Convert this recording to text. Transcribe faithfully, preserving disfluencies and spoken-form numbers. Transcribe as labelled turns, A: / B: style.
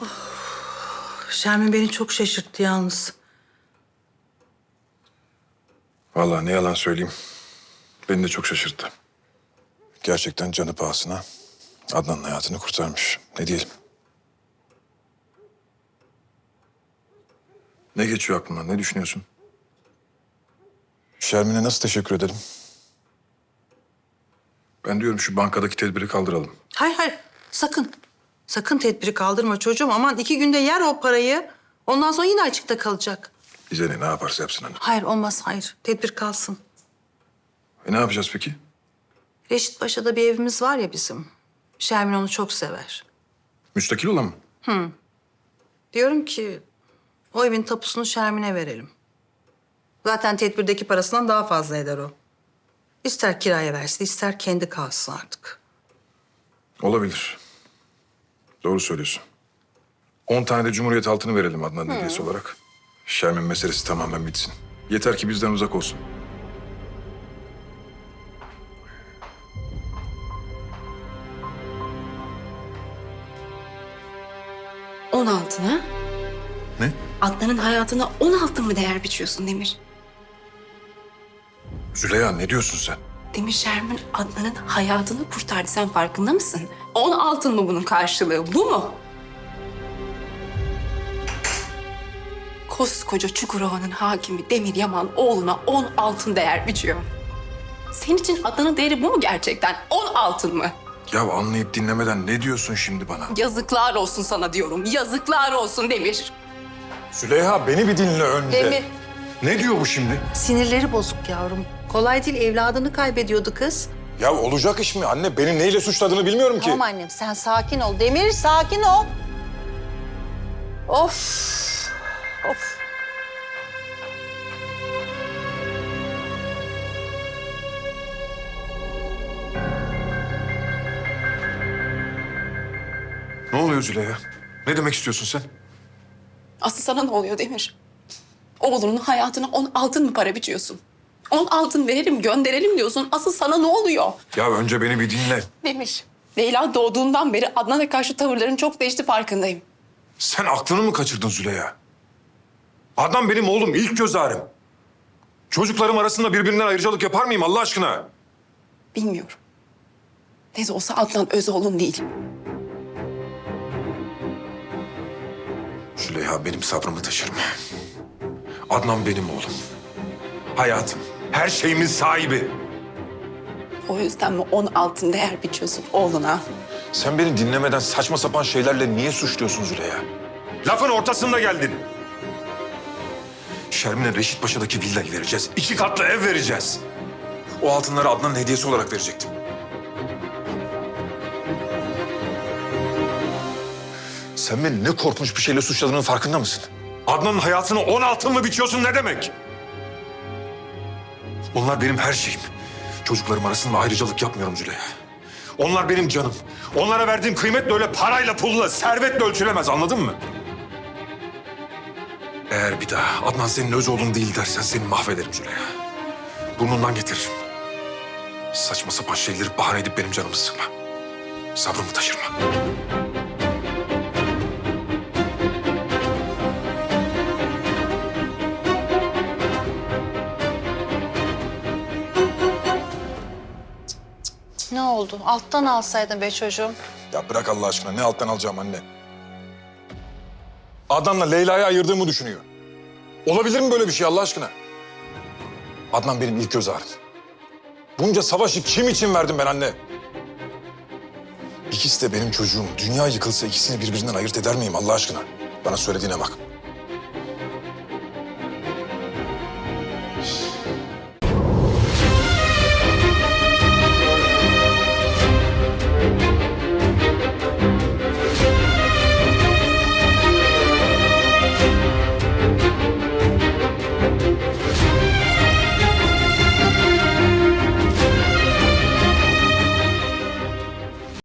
A: Şermin beni çok şaşırttı yalnız.
B: Vallahi ne yalan söyleyeyim. Beni de çok şaşırttı. Gerçekten canı pahasına Adnan'ın hayatını kurtarmış. Ne diyelim? Ne geçiyor aklından? Ne düşünüyorsun? Şermin'e nasıl teşekkür ederim? Ben diyorum şu bankadaki tedbiri kaldıralım.
A: Hayır hayır sakın. Sakın tedbiri kaldırma çocuğum. Aman iki günde yer o parayı. Ondan sonra yine açıkta kalacak.
B: Bize ne, ne yaparsa yapsın hani.
A: Hayır olmaz hayır. Tedbir kalsın.
B: E ne yapacağız peki?
A: Reşit Paşa'da bir evimiz var ya bizim. Şermin onu çok sever.
B: Müstakil olan mı?
A: Diyorum ki o evin tapusunu Şermin'e verelim. Zaten tedbirdeki parasından daha fazla eder o. İster kiraya versin, ister kendi kalsın artık.
B: Olabilir. Doğru söylüyorsun. On tane de Cumhuriyet altını verelim Adnan'ın hediyesi olarak. Şermin meselesi tamamen bitsin. Yeter ki bizden uzak olsun.
C: On altına.
B: Ne?
C: Adnan'ın hayatına on altın mı değer biçiyorsun Demir?
B: Züleyha ne diyorsun sen?
C: Demir Şermin Adnan'ın hayatını kurtardı. Sen farkında mısın? On altın mı bunun karşılığı? Bu mu? Koskoca Çukurova'nın hakimi Demir Yaman oğluna on altın değer biçiyor. Senin için Adnan'ın değeri bu mu gerçekten? On altın mı?
B: Ya anlayıp dinlemeden ne diyorsun şimdi bana?
C: Yazıklar olsun sana diyorum. Yazıklar olsun Demir.
B: Züleyha beni bir dinle önce.
A: Demir.
B: Ne diyor bu şimdi?
A: Sinirleri bozuk yavrum. Kolay değil, evladını kaybediyordu kız.
B: Ya olacak iş mi? Anne beni neyle suçladığını bilmiyorum ki.
A: Tamam annem, sen sakin ol. Demir, sakin ol. Of, of.
B: Ne oluyor Züleyha? Ne demek istiyorsun sen?
C: Asıl sana ne oluyor Demir? Oğlunun hayatına on altın mı para biçiyorsun? On altın verelim, gönderelim diyorsun. Asıl sana ne oluyor?
B: Ya önce beni bir dinle.
C: Demir, Leyla doğduğundan beri Adnan'a karşı tavırların çok değişti farkındayım.
B: Sen aklını mı kaçırdın Züleyha? Adnan benim oğlum, ilk göz ağrım. Çocuklarım arasında birbirinden ayrıcalık yapar mıyım Allah aşkına?
C: Bilmiyorum. Ne de olsa Adnan öz oğlun değil.
B: Züleyha benim sabrımı taşırma. Adnan benim oğlum. Hayatım, her şeyimin sahibi.
C: O yüzden mi on altın değer biçiyorsun oğluna?
B: Sen beni dinlemeden saçma sapan şeylerle niye suçluyorsun Züleyha? Lafın ortasında geldin. Şermin'e Reşit Paşa'daki villayı vereceğiz. İki katlı ev vereceğiz. O altınları Adnan'ın hediyesi olarak verecektim. Sen beni ne korkunç bir şeyle suçladığının farkında mısın? Adnan'ın hayatını on altın mı biçiyorsun ne demek? Onlar benim her şeyim. Çocuklarım arasında ayrıcalık yapmıyorum Züleyha. Onlar benim canım. Onlara verdiğim kıymet de öyle parayla, pulla, servetle ölçülemez, anladın mı? Eğer bir daha Adnan senin öz oğlun değil dersen seni mahvederim Züleyha. Burnundan getiririm. Saçma sapan şeyleri bahane edip benim canımı sıkma. Sabrımı taşırma.
A: Ne oldu? Alttan alsaydın be çocuğum.
B: Ya bırak Allah aşkına, ne alttan alacağım anne? Adnan'la Leyla'yı ayırdığımı düşünüyor. Olabilir mi böyle bir şey Allah aşkına? Adnan benim ilk göz ağrım. Bunca savaşı kim için verdim ben anne? İkisi de benim çocuğum. Dünya yıkılsa ikisini birbirinden ayırt eder miyim Allah aşkına? Bana söylediğine bak.